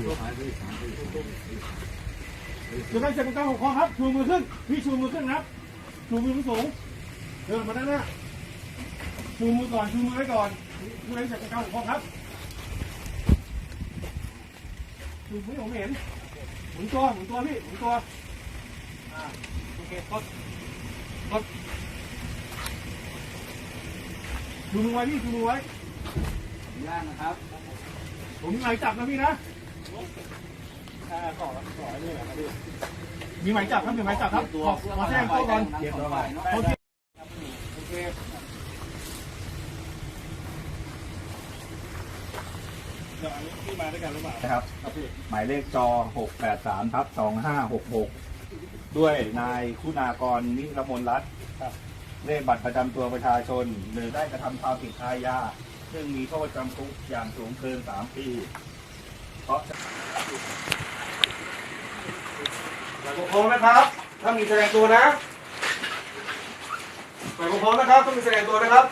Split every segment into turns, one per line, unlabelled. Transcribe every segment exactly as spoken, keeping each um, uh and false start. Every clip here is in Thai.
จะได้เสร็จเป็นการหกคอครับชูมือขึ้นพี่ชูมือขึ้นครับชูมือสูงเดินมาด้านหน้าชูมือก่อนชูมือไว้ก่อนชูให้เสร็จเป็นการหกคอครับชูมือผมเห็นหมุนตัวหมุนตัวพี่หมุนตัวอ่าโอเคกดกดชูมือไว้พี่ชูมือไว้ย่างนะครับผมมีหมายจับนะพี่นะอ่าขอขอนี่แหละครับพี่มีหมายจับครับมีหมายจับครับขอขอแจ้งตัวก่อนเก็บตัวไว้โอเคโอเคเดี๋ยวอันนี้พี่มาด้วยกันหรือเปล่า
ครับหมายเลขจอหกแปดสามทับสองห้าหกหกด้วยนายคุณากรนิรมนรัตน์เลขบัตรประจำตัวประชาชนหรือได้กระทำความผิดอาญาซึ่งมีโทษจำคุกอย่างสูงเกินสามปีเพราะ
ฝ่ายปกครองนะครับถ้ามีแสดงตัวนะฝ่ายปกครองนะครับต้องมีแสดงตัวนะครับ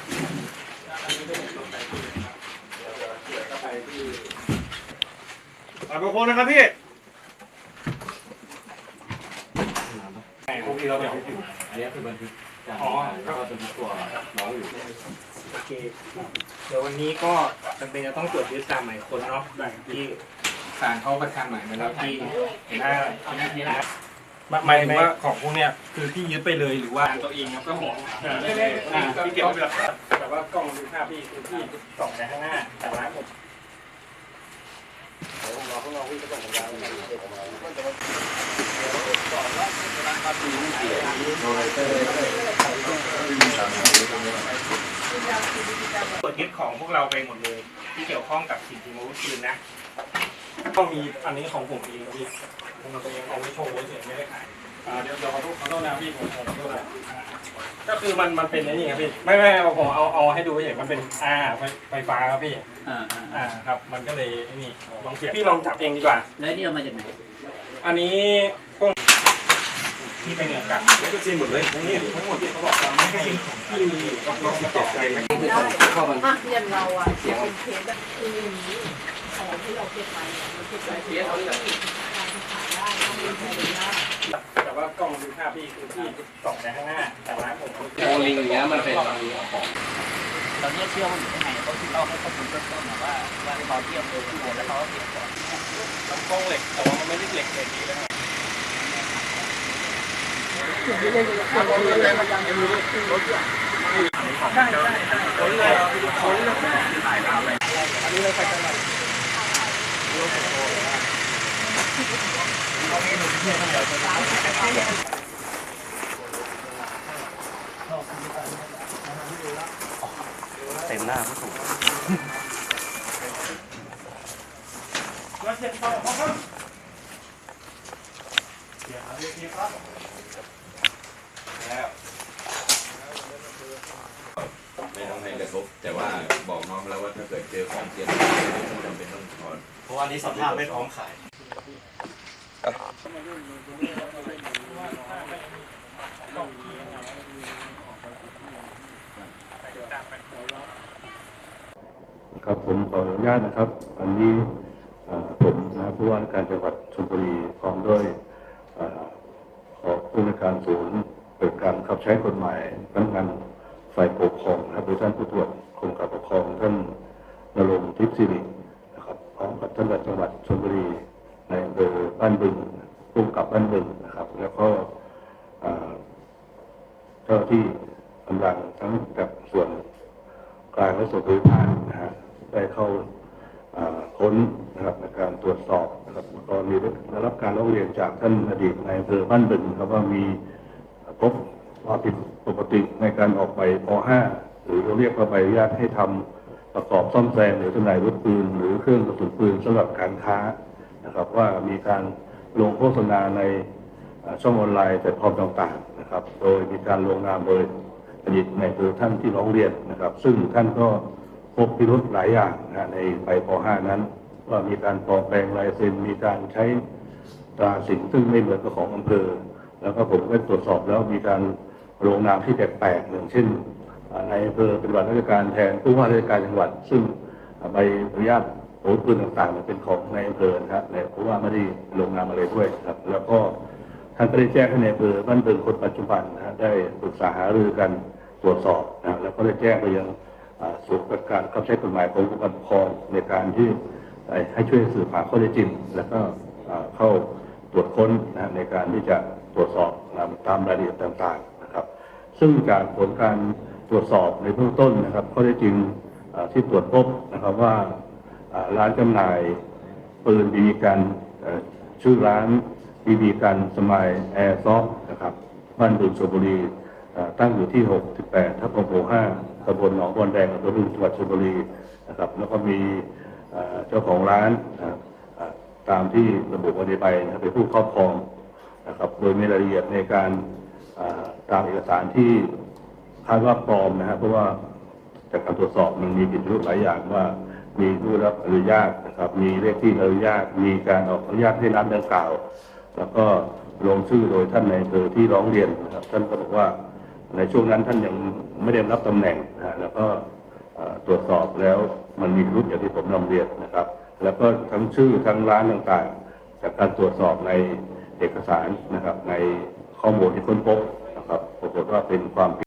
ฝ่ายปกครองนะครับพี่พวกนี้เราแบบอันนี้คือบันทึกอ๋อแล้วก็บันทึกตัวน้องอยู่
โอเคเดี๋ยววันนี้ก็จำเป็นจะต้องตรวจยึดตามหมายค้นเนาะที่ศาลเขาประกันหมายมาแล้วที่เห็นหน้าที่หน้าหมายถึงว่าของพวกเนี้ยคือที่ยึดไปเลยหรือว่าตัวเองครับก็บอกที่เก็บไว้เป็นหลักฐานแต่ว่ากล้องดูภาพพี่คือที่ส่องไปข้างหน้าแต่ร้านผมเดี๋ยวรอพวกเราวิ่งไปส่งสัญญาณกันตรวจยึดของพวกเราไปหมดเลยที่เกี่ยวข้องกับสิ่งที่มาวุธปืนนะก็มีอันนี้ของผมเองพี่ผมตัวเองเอาไว้โชว์เฉยไม่ได้ขายเดี๋ยวเดี๋ยวขอโทษขอโทษนะพี่ผมขอโทษนะก็คือมันมันเป็นนี่ครับพี่ไม่ไม่ผมเอาเอาให้ดูเฉยมันเป็นอ่าไฟไฟฟ้าครับพี่อ่าอ่าครับมันก็เลยนี่ลองเสียบพี่ลองจับเองดีกว่า
แล้วนี่เอามาจากไหน
อันนี้พวกที่เป็นเงินกันแล้วก็ซีนหมดเลยทั้งนี้ทั้งหมดที่เขาบอกว่าไม่ให้ที่มีล็อกล็อกเก็บใจมัน
เข้ามาเรียนเราอ่ะเสียงเป็นเคสแบบคืออย่างนี้ของที่เราเก็บไว้เราเก็บไว้ที่เราขายได้ต้องมีใครดูได้
แต่ว่ากล้องดูภาพพี่คือที่ส่องไปข้างหน้าแต่ร้านผม
โอลิงอย่างเงี้ยมันเป็นของตอนนี้เชื่อว่าอยู่ที่ไหนเขาที่เราให้ข้อมูลเบื้องต้นว่าว่าเขาเที่ยวเมืองที่โหนแล้วเขาเปลี่ยนก่อน
ลำกล้องเหล็กแต่ว่ามันไม่ได้เหล็กเหล็กดีเลยครับใช่ใช่คนเลยคนเลยอันนี้เราไปจังหวัด
เต็มหน้าผู้ถูก
มาเสร็จต่อครับเดี๋ยวเอาเรียกครับ
แล้วไม่ต้องให้กระทบแต่ว่าบอกน้องแล้วว่าถ้าเกิดเจอของเสียจำเป็นต้องถอน
เพราะว่านี้สภาพไม่พร้อมขาย
ครับผมขออนุญาตนะครับอันนี้ผมนะผู้ว่าราชการจังหวัดชลบุรีพร้อมด้วยขอผู้ในการศูนย์เปิดการขับใช้กฎหมายพนักงานฝ่ายปกครองนะครับโดยท่านผู้ตรวจกรมการปกครองท่านณรงค์ทิพย์สิรินะครับพร้อมกับท่านจังหวัดชลบุรีในอำเภอบ้านบึงร่วมกับบ้านบึงนะครับแล้วก็เจ้าที่กำลังทั้งกับส่วนกลางและส่วนพื้นฐานนะฮะได้เข้าค้นนะครับในการตรวจสอบนะครับก็มีได้รับการร้องเรียนจากท่านอดีตนายอำเภอบ้านบึงครับว่ามีพบความผิดปกติในการออกใบป .ห้า หรือเราเรียกว่าใบอนุญาตให้ทำประกอบซ่อมแซมหรือจำหน่ายอาวุธปืนหรือเครื่องกระสุนปืนสำหรับการค้านะครับว่ามีการลงโฆษณาในช่องออนไลน์แพลตฟอร์มต่างๆนะครับโดยมีการลงนามโดยอดีตนายอำเภอท่านที่ร้องเรียนนะครับซึ่งท่านก็พบพิรุธหลายอย่างนะในใบป .ห้า นั้นว่ามีการปลอมแปลงลายเซ็นมีการใช้ตราสินซึ่งไม่เหมือนกับของอำเภอแล้วก็ผมได้ตรวจสอบแล้วมีการลงนามที่แปลกๆอย่างเช่นในอำเภอเป็นวันราชการแทนผู้ว่าราชการจังหวัดซึ่งใบอนุญาตอาวุธปืนต่างๆเป็นของในอำเภอนะครับเพราะว่าไม่ได้ลงนามอะไรด้วยครับแล้วก็ท่านก็ได้แจ้งให้ในอำเภอบ้านเมืองคนปัจจุบันนะฮะได้ปรึกษาหารือกันตรวจสอบนะแล้วก็ได้แจ้งไปยังส่วนการบังคับใช้กฎหมายขององค์กรปกครองในการที่ให้ช่วยสืบหาข้อเท็จจริงแล้วก็เข้าตรวจค้นนะในการที่จะตรวจสอบตามรายละเอียดต่างๆนะครับซึ่งจากผลการตรวจสอบในเบื้องต้นนะครับข้อเท็จจริงที่ตรวจพบนะครับว่าร้านจำหน่ายปืนบีบีกันชื่อร้านบีบีกันสมัยแอร์ซอฟนะครับบ้านบึงชลบุรีตั้งอยู่ที่หกสิบแปดทับหกหมู่ห้าตำบลหนองบอนแดงอำเภอบึงจังหวัดชลบุรีนะครับแล้วก็มีเจ้าของร้านตามที่ระบุไว้ในใบนะครับเป็นผู้ครอบครองนะครับโดยมีรายละเอียดในการตามเอกสารที่คาดว่าปลอมนะครับเพราะว่าจากการตรวจสอบมันมีผิดรูปหลายอย่างว่ามีผู้รับอนุญาตนะครับมีเลขที่อนุญาตมีการออกอนุญาตให้ร้านดังกล่าวแล้วก็ลงชื่อโดยท่านในอำเภอที่ร้องเรียนนะครับท่านก็บอกว่าในช่วงนั้นท่านยังไม่ได้รับตำแหน่งนะแล้วก็ตรวจสอบแล้วมันมีรูปอย่างที่ผมนำเรียนนะครับแล้วก็ทั้งชื่อทั้งร้านต่างๆจากการตรวจสอบในเอกสารนะครับในข้อมูลที่ค้นพบนะครับปรากฏว่าเป็นความ